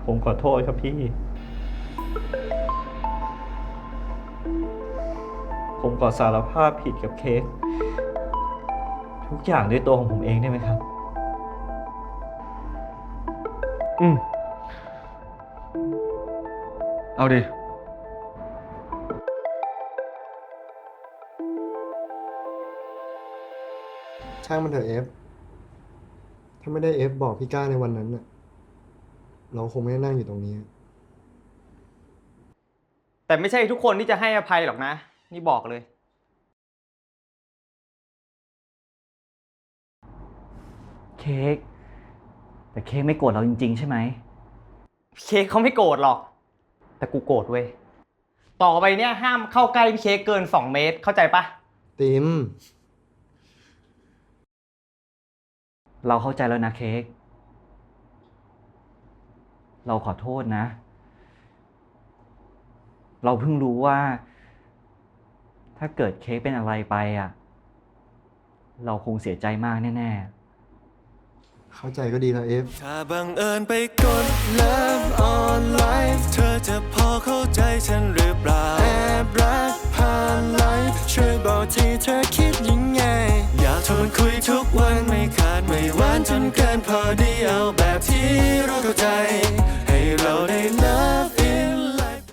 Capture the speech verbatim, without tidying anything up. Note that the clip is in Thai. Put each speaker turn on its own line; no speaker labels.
ผมขอโทษครับพี่ ผมขอสารภาพผิดกับเค้กทุกอย่างด้วยตัวของผมเองได้ไหมครับ
อืม เอาดิ
ช่างมันเถอะเอฟ ถ้าไม่ได้เอฟบอกพี่ก้าในวันนั้นน่ะ เราคงไม่ได้นั่งอยู่ตรงนี้
แต่ไม่ใช่ทุกคนที่จะให้อภัยหรอกนะ นี่บอกเลย
เค้กแต่เค้กไม่โกรธเราจริงๆใช่ไหม
เค้กเขาไม่โกรธหรอก แต่กูโกรธเว้ย ต่อไปเนี่ยห้ามเข้าใกล้พี่เค้กเกินสองเมตร เข้าใจปะ
ติม
เราเข้าใจแล้วนะเค้กเราขอโทษนะ เราเพิ่งรู้ว่า ถ้าเกิดเค้กเป็นอะไรไปอ่ะ เราคงเสียใจมากแน่ๆ
เข้าใจก็ดีแล้วเอฟ
ถ้าบังเอิญไปกด Love on Life เธอจะพอเข้าใจฉันหรือเปล่า แอบรักผ่านไลฟ์ช่วยบอกทีเธอคิดยังไง อยากชวนคุยทุกวันไม่ขาดไม่หวานจนเกินพอดีเอาแบบที่เราเข้าใจ